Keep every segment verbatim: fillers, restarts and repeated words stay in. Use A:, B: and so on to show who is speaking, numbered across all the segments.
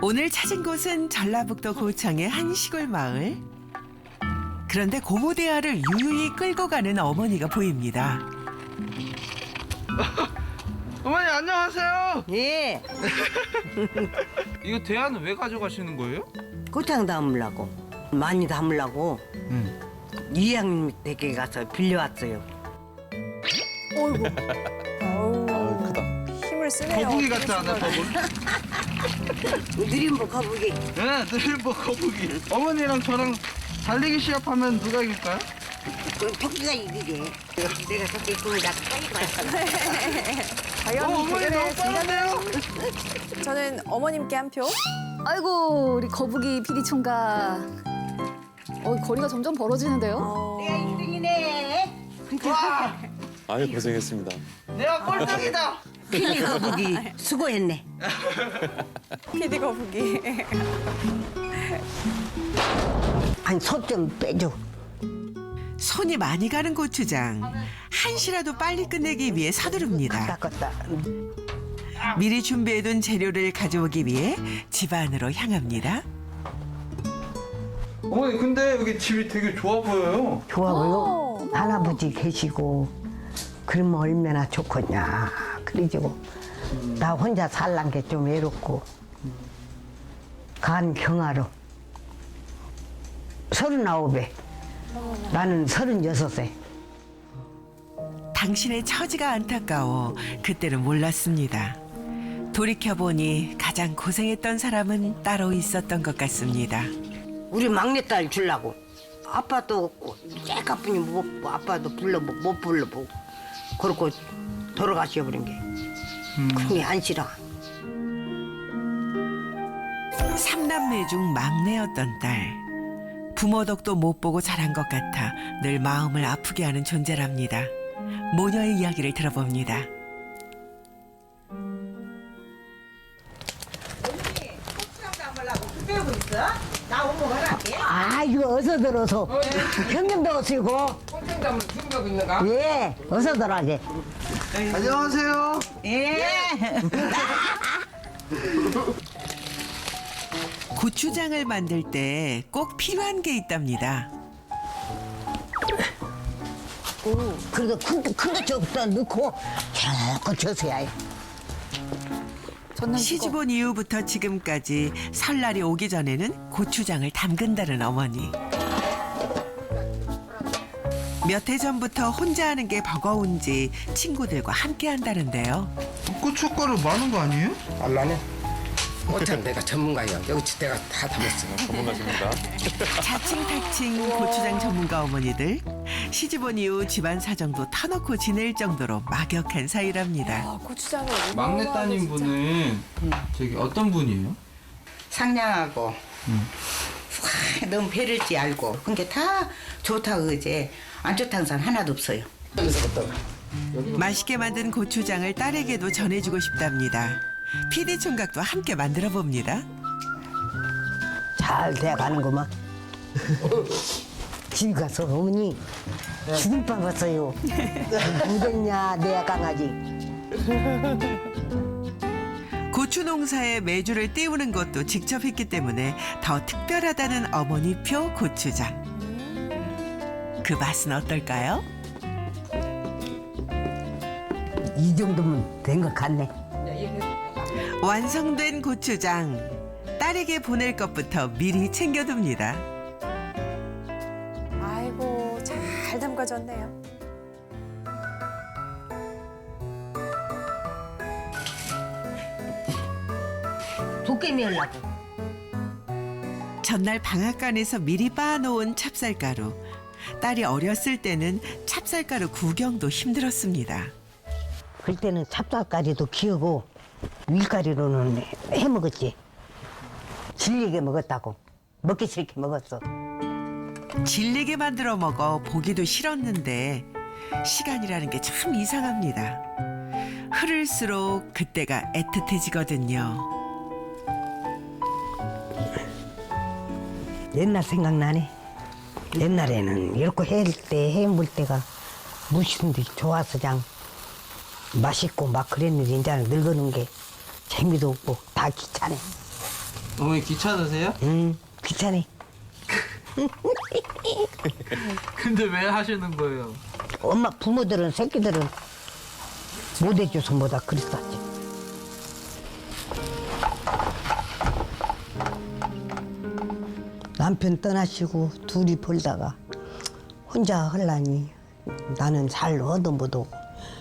A: 오늘 찾은 곳은 전라북도 고창의 한 시골 마을. 그런데 고무대야를 유유히 끌고 가는 어머니가 보입니다.
B: 어머니 안녕하세요.
C: 예,
B: 이거 대야는 왜 가져가시는 거예요?
C: 고창 담으려고 많이 담으려고
B: 응.
C: 이양 댁에 가서 빌려왔어요.
D: 어이구. 아우,
E: 아, 크다.
D: 힘을 쓰네요.
B: 거북이 같지 않아 거북이?
C: 느림보 거북이.
B: 네, 느림보 거북이. 어머니랑 저랑 달리기 시합하면 누가 이길까요?
C: 그 토끼가 이기게. 내가 토끼 꿈을 다 빨리 왔어.
D: 과연
B: 어, 어머니
D: 대결의
B: 너무 빠른데요?
D: 진가는 저는 어머님께 한 표.
F: 아이고 우리 거북이 피디 총각. 어 거리가 점점 벌어지는데요.
D: 어,
C: 내가 일 등이네.
B: 와,
E: 아유 고생했습니다.
B: 내가 꼴등이다.
C: 피디 거북이 수고했네.
D: 피디 거북이.
C: 아니 손 좀 빼줘.
A: 손이 많이 가는 고추장. 한시라도 빨리 끝내기 위해 서두릅니다.
C: 닦았다.
A: 미리 준비해둔 재료를 가져오기 위해 집 안으로 향합니다.
B: 어머니 근데 여기 집이 되게 좋아 보여요.
C: 좋아 보여?
D: 어.
C: 할아버지 계시고 그러면 얼마나 좋겠냐. 그래가지고 나 혼자 살란 게 좀 외롭고 간 경화로 서른아홉에 나는 서른여섯 세.
A: 당신의 처지가 안타까워 그때는 몰랐습니다. 돌이켜보니 가장 고생했던 사람은 따로 있었던 것 같습니다.
C: 우리 막내딸 주려고 아빠도 째까뿐이 못 아빠도 불러 못 불러보고 그러고 돌아가셔버린 게 그런 게 안 싫어.
A: 삼남매 중 막내였던 딸. 부모 덕도 못 보고 자란 것 같아 늘 마음을 아프게 하는 존재랍니다. 모녀의 이야기를 들어봅니다.
C: 아이고 어서 들어서 경경도 쓰고
G: 꼼짝담을 준비하고 있는가?
C: 예 어서 들어가게.
B: 안녕하세요.
A: 고추장을 만들 때 꼭 필요한 게 있답니다.
C: 그래도 큰거 저부터 넣고 자꾸 져서야 해.
A: 시집 온 이후부터 지금까지 설날이 오기 전에는 고추장을 담근다는 어머니. 몇 해 전부터 혼자 하는 게 버거운지 친구들과 함께 한다는데요.
B: 고춧가루 많은 거 아니에요?
G: 알라네. 어쩜 내가 전문가야. 여기 내가 다 담았어.
E: 전문가십니다.
A: 자칭타칭 고추장 전문가 어머니들. 시집 온 이후 집안 사정도 터놓고 지낼 정도로 막역한 사이랍니다.
D: 아, 고추장을
B: 막내 따님 분은 저기 어떤 분이에요?
H: 상냥하고
B: 음.
H: 와, 너무 배릴지 알고 그게 다 좋다고 그제 안 좋다는 사람 하나도 없어요.
A: 맛있게 만든 고추장을 딸에게도 전해주고 싶답니다. 피디 총각도 함께 만들어 봅니다.
C: 잘 돼가는구만. 집 가서 어머니 죽을 뻔했어요. 무겠냐 내 강아지.
A: 고추 농사에 메주를 띄우는 것도 직접 했기 때문에 더 특별하다는 어머니표 고추장. 그 맛은 어떨까요?
C: 이 정도면 된 것 같네.
A: 완성된 고추장. 딸에게 보낼 것부터 미리 챙겨둡니다.
D: 아이고, 잘 담가졌네요.
C: 도깨비 하려고.
A: 전날 방앗간에서 미리 빻아놓은 찹쌀가루. 딸이 어렸을 때는 찹쌀가루 구경도 힘들었습니다.
C: 그때는 찹쌀가리도 키우고 밀가리로는 해 먹었지. 질리게 먹었다고. 먹기 싫게 먹었어.
A: 질리게 만들어 먹어 보기도 싫었는데 시간이라는 게 참 이상합니다. 흐를수록 그때가 애틋해지거든요.
C: 옛날 생각나네. 옛날에는 이렇게 해 때, 해 물 때가 무심히 좋아서 그냥 맛있고 막 그랬는데 이제는 늙어는 게 재미도 없고 다 귀찮아.
B: 어머니 귀찮으세요?
C: 응, 귀찮아.
B: 근데 왜 하시는 거예요?
C: 엄마 부모들은 새끼들은 못 해줘서 뭐다 그랬었지. 남편 떠나시고 둘이 벌다가 혼자 헐라니 나는 잘 얻어 못 오고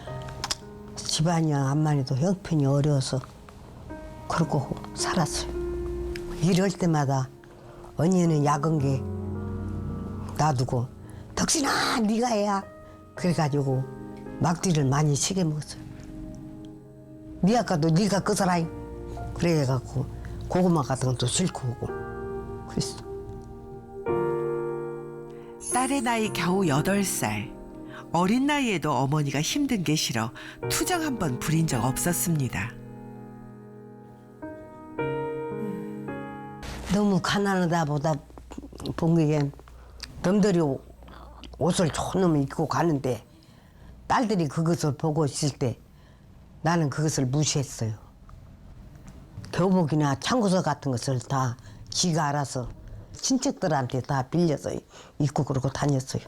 C: 집안이야 암만 해도 형편이 어려워서 그러고 살았어요. 이럴 때마다 언니는 야근 게 놔두고 덕신아 네가 해야 그래가지고 막디를 많이 시게 먹었어요. 네 아까도 네가 끄서라잉 그래갖고 고구마 같은 것도 싣고 오고 그랬어.
A: 딸의 나이 겨우 여덟 살. 어린 나이에도 어머니가 힘든 게 싫어 투정 한 번 부린 적 없었습니다.
C: 너무 가난하다 보다 본 게 남들이 옷을 좋은 놈을 입고 가는데 딸들이 그것을 보고 있을 때 나는 그것을 무시했어요. 교복이나 창고서 같은 것을 다 지가 알아서 친척들한테 다 빌려서 입고 그러고 다녔어요.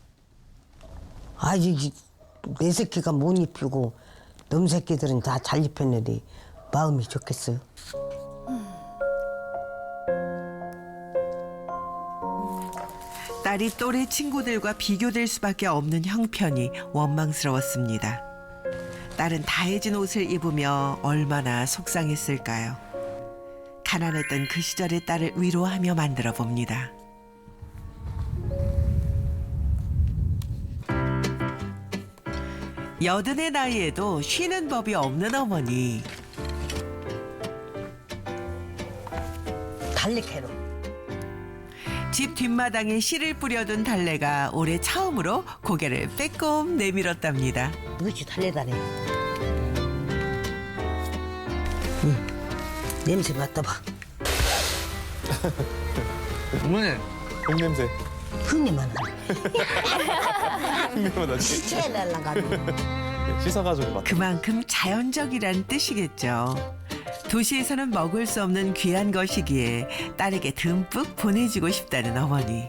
C: 아직 내 새끼가 못 입히고 놈 새끼들은 다 잘 입혔는데 마음이 좋겠어요.
A: 딸이 또래 친구들과 비교될 수밖에 없는 형편이 원망스러웠습니다. 딸은 다해진 옷을 입으며 얼마나 속상했을까요? 가난했던 그 시절의 딸을 위로하며 만들어 봅니다. 여든의 나이에도 쉬는 법이 없는 어머니.
C: 달래캐로.
A: 집 뒷마당에 씨를 뿌려둔 달래가 올해 처음으로 고개를 빼꼼 내밀었답니다.
C: 이것이 달래다네. 응. 냄새 맡아봐.
B: 어머니
E: 흙냄새.
C: 흙내만 하네.
E: 흙냄새 나지.
C: 시체에 날라가지고.
E: 씻어가지고 맡.
A: 그만큼 자연적이란 뜻이겠죠. 도시에서는 먹을 수 없는 귀한 것이기에 딸에게 듬뿍 보내주고 싶다는 어머니.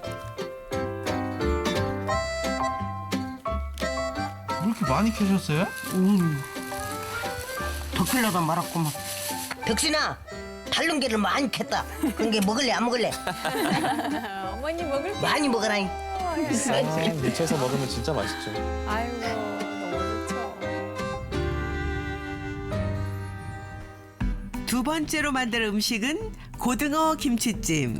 B: 왜 이렇게 많이 캐셨어요?
C: 음. 덕필러도 말았구만. 덕신아, 달른 게를 많이 캤다. 그런 게 먹을래 안 먹을래?
D: 어머니 먹을게.
C: 많이 먹어라잉.
E: 아, 무쳐서 먹으면 진짜 맛있죠.
D: 아이고 너무 좋죠.
A: 두 번째로 만들 음식은 고등어 김치찜.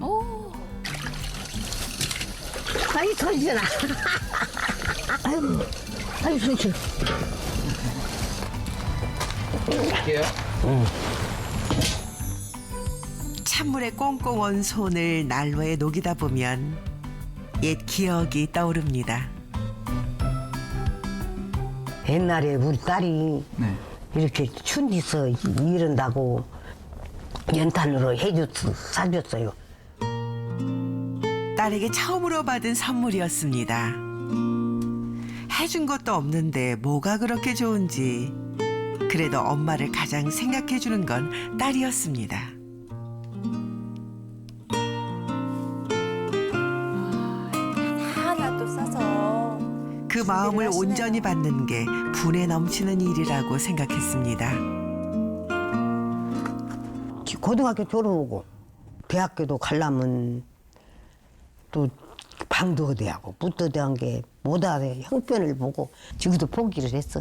C: 아이 손질아. 아유, 아유 손질.
B: 할게요.
A: 찬물에 꽁꽁 언 손을 난로에 녹이다 보면 옛 기억이 떠오릅니다.
C: 옛날에 우리 딸이
B: 네.
C: 이렇게 추운 데서 일한다고 연탄으로 해줬, 사줬어요.
A: 딸에게 처음으로 받은 선물이었습니다. 해준 것도 없는데 뭐가 그렇게 좋은지. 그래도 엄마를 가장 생각해주는 건 딸이었습니다.
D: 하나 또 싸서.
A: 그 마음을
D: 하시네요.
A: 온전히 받는 게 분에 넘치는 일이라고 생각했습니다.
C: 고등학교 졸업하고 대학교도 가려면 또 방도 어디 하고 붓도 어디 한 게 못하게 형편을 보고 지금도 포기를 했어.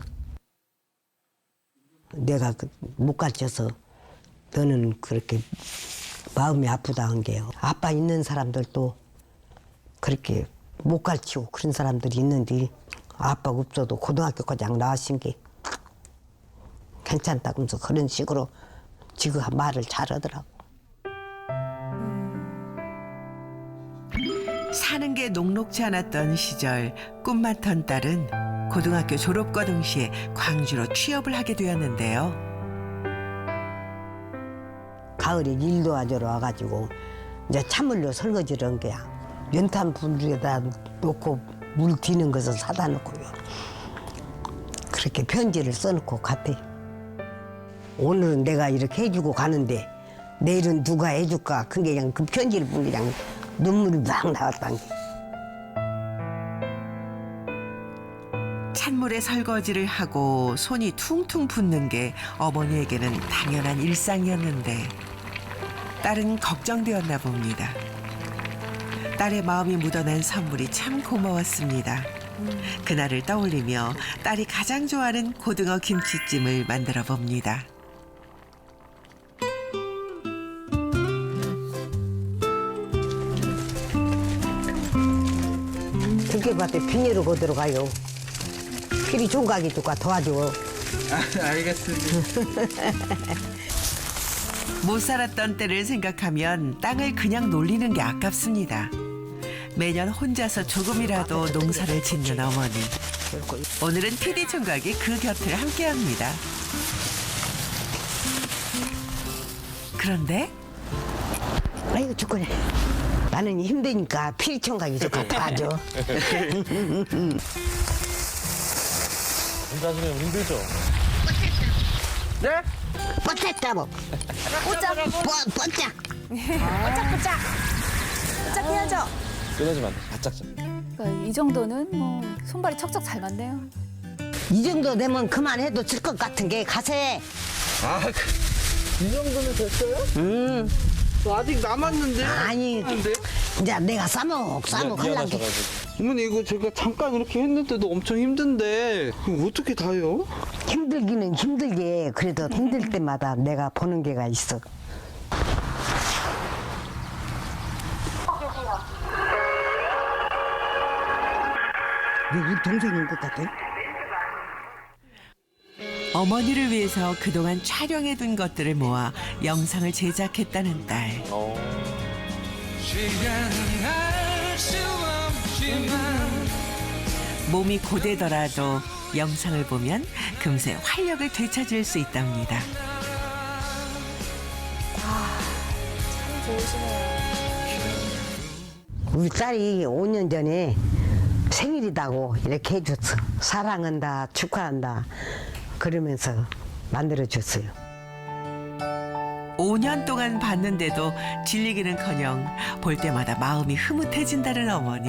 C: 내가 그 못 가르쳐서 너는 그렇게 마음이 아프다 한 게요. 아빠 있는 사람들도 그렇게 못 가르치고 그런 사람들이 있는데 아빠가 없어도 고등학교까지 나와신 게 괜찮다면서 그런 식으로 지금 말을 잘하더라고.
A: 사는 게 녹록지 않았던 시절 꿈 많던 딸은 고등학교 졸업과 동시에 광주로 취업을 하게 되었는데요.
C: 가을에 일도 하러 와가지고 이제 찬물로 설거지를 한 거야. 연탄 불에다 놓고 물 튀는 것을 사다 놓고요. 그렇게 편지를 써놓고 갔대. 오늘은 내가 이렇게 해주고 가는데 내일은 누가 해줄까? 그게 그냥 그 편지를 보니 그냥 눈물이 막 나왔단 게.
A: 찬물에 설거지를 하고 손이 퉁퉁 붓는 게 어머니에게는 당연한 일상이었는데 딸은 걱정되었나 봅니다. 딸의 마음이 묻어난 선물이 참 고마웠습니다. 그날을 떠올리며 딸이 가장 좋아하는 고등어 김치찜을 만들어 봅니다.
C: 들깨밭에 비닐을 거들어 가요. 필이 총각이 누가 도와줘.
B: 아, 알겠습니다.
A: 못 살았던 때를 생각하면 땅을 그냥 놀리는 게 아깝습니다. 매년 혼자서 조금이라도 농사를 짓는 어머니. 오늘은 피디 총각이 그 곁을 함께합니다. 그런데
C: 아이고 죽겠네. 나는 힘드니까 필이 총각이 누가 도와줘.
E: 혼자 하시면 힘들죠.
B: 네?
C: 뻗쳤다 뭐.
F: 뽀짝.
C: 뻗, 뻗짝.
D: 뽀짝뽀짝. 뽀짝 해야죠.
E: 끊어지면 안 돼. 바짝 잡.
F: 그러니까 이 정도는 뭐 손발이 척척 잘 맞네요.
C: 이 정도 되면 그만해도 질 것 같은 게 가세.
B: 아, 그, 이 정도면 됐어요?
C: 음.
B: 저 아직 남았는데.
C: 아니,
B: 근데
C: 이제 내가 싸먹 싸먹 하려는 게.
E: 미안하셔가지고.
B: 어머니 이거 제가 잠깐 이렇게 했는데도 엄청 힘든데 이거 어떻게 다요?
C: 힘들기는 힘들게 그래도 힘들 때마다 내가 보는 게가 있어. 우리 동생인 것 같아.
A: 어머니를 위해서 그동안 촬영해둔 것들을 모아 영상을 제작했다는 딸.
E: 어.
A: 몸이 고되더라도 영상을 보면 금세 활력을 되찾을 수 있답니다.
D: 참 좋으시네요.
C: 우리 딸이 오 년 전에 생일이다고 이렇게 해줬어. 사랑한다, 축하한다. 그러면서 만들어줬어요.
A: 오 년 동안 봤는데도 질리기는커녕 볼 때마다 마음이 흐뭇해진다는 어머니.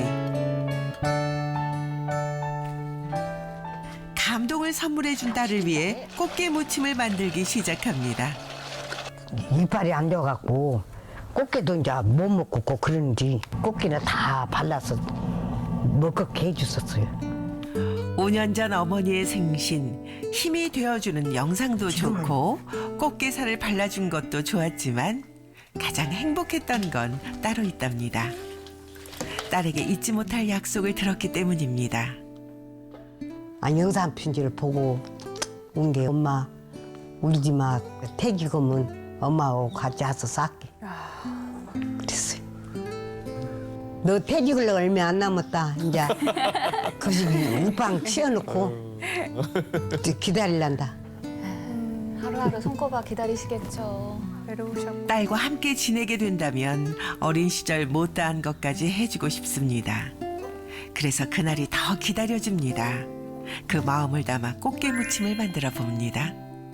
A: 감동을 선물해준 딸을 위해 꽃게 무침을 만들기 시작합니다.
C: 이빨이 안 좋아갖고 꽃게도 이제 못 먹고 꼭 그러는지 꽃게는 다 발라서 먹게 해줬었어요.
A: 오 년 전 어머니의 생신, 힘이 되어주는 영상도 좋고 꽃게살을 발라준 것도 좋았지만 가장 행복했던 건 따로 있답니다. 딸에게 잊지 못할 약속을 들었기 때문입니다.
C: 아, 영상 편지를 보고 온 게 엄마 울지 마. 퇴직금은 엄마하고 같이 와서 쌓게. 그랬어요. 너 퇴직을 얼마 안 남았다. 이제 그 집이 우방 치워놓고 기다릴란다.
F: 하루하루 손꼽아 기다리시겠죠.
D: 외로우셨고.
A: 딸과 함께 지내게 된다면 어린 시절 못다한 것까지 해주고 싶습니다. 그래서 그날이 더 기다려집니다. 그 마음을 담아 꽃게 무침을 만들어 봅니다.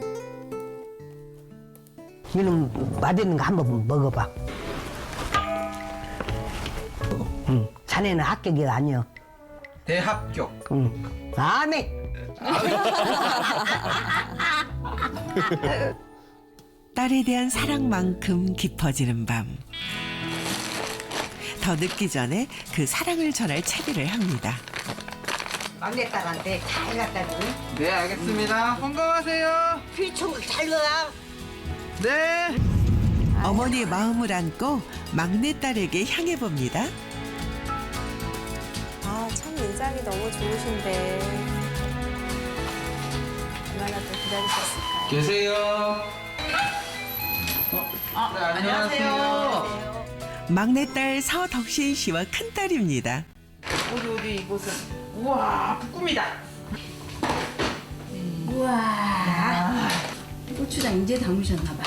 C: 이놈 맛있는 거 한번 먹어봐. 응. 자네는 합격이 아니여.
B: 대합격.
C: 응. 아멘.
A: 딸에 대한 사랑만큼 깊어지는 밤. 더 늦기 전에 그 사랑을 전할 채비를 합니다.
C: 막내딸한테 잘 갖다 줘.
B: 네, 알겠습니다. 건강하세요.
C: 필총 잘 가.
B: 네.
A: 어머니의 마음을 안고 막내딸에게 향해 봅니다.
D: 아, 참 인상이 너무 좋으신데. 얼마나 또 기다리셨을까요?
B: 계세요. 어, 네, 안녕하세요.
A: 막내딸 서덕신 씨와 큰딸입니다.
H: 우리 우리 이곳은 우와 볶음이다. 우와 고추장 이제 담으셨나 봐.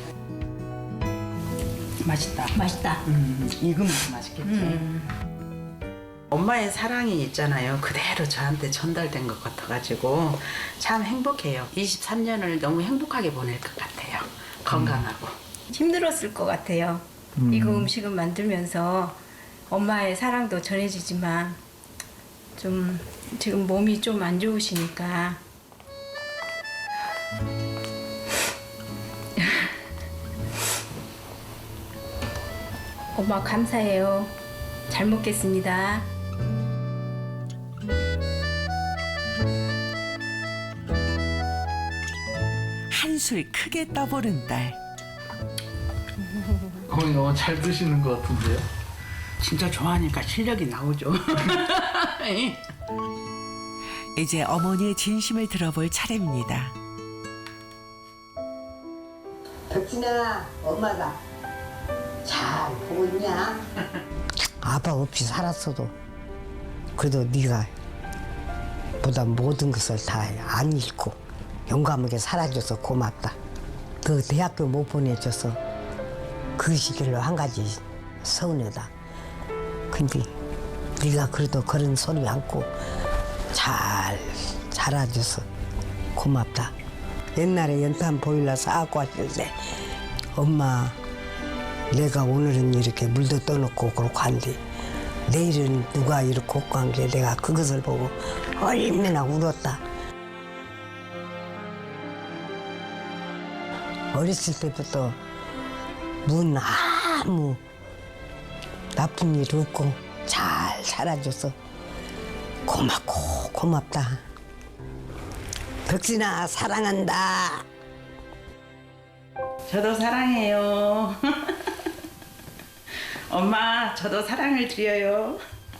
H: 맛있다. 맛있다.
I: 음, 익으면 맛있겠지. 엄마의 사랑이 있잖아요. 그대로 저한테 전달된 것 같아가지고 참 행복해요. 이십삼 년을 너무 행복하게 보낼 것 같아요. 건강하고.
J: 힘들었을 것 같아요. 이거 음식을 만들면서 엄마의 사랑도 전해지지만 좀 지금 몸이 좀 안 좋으시니까 엄마 감사해요. 잘 먹겠습니다.
A: 한술 크게 떠보는 딸.
B: 어머니 너무 잘 드시는 것 같은데요?
I: 진짜 좋아하니까 실력이 나오죠.
A: 이제 어머니의 진심을 들어볼 차례입니다.
C: 덕진아, 엄마가 잘 보고 있냐? 아빠 없이 살았어도 그래도 네가 보다 모든 것을 다 안 잃고 용감하게 살아줘서 고맙다. 그 대학교 못 보내줘서 그 시기로 한 가지 서운하다. 근데 네가 그래도 그런 소리 않고 잘 자라줘서 고맙다. 옛날에 연탄 보일러 사갖고 왔을 때 엄마 내가 오늘은 이렇게 물도 떠놓고 그렇고 한데 내일은 누가 이렇게 걷고 한 게 내가 그것을 보고 얼마나 울었다. 어렸을 때부터 문 아무 나쁜 일 없고 잘 살아줘서 고맙고 고맙다. 덕진아 사랑한다.
I: 저도 사랑해요. 엄마, 저도 사랑을 드려요.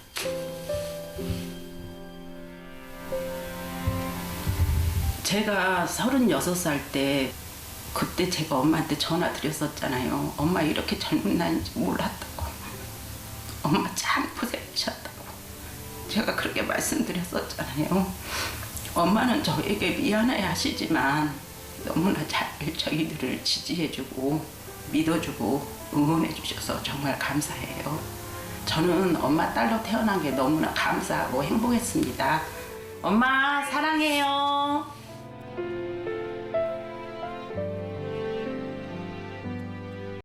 I: 제가 서른여섯 살 때 그때 제가 엄마한테 전화 드렸었잖아요. 엄마 이렇게 젊은 나이인지 몰랐다고. 엄마 참 고생하셨다고. 제가 그렇게 말씀드렸었잖아요. 엄마는 저에게 미안해 하시지만 너무나 잘 저희들을 지지해주고 믿어주고 응원해주셔서 정말 감사해요. 저는 엄마 딸로 태어난 게 너무나 감사하고 행복했습니다. 엄마 사랑해요.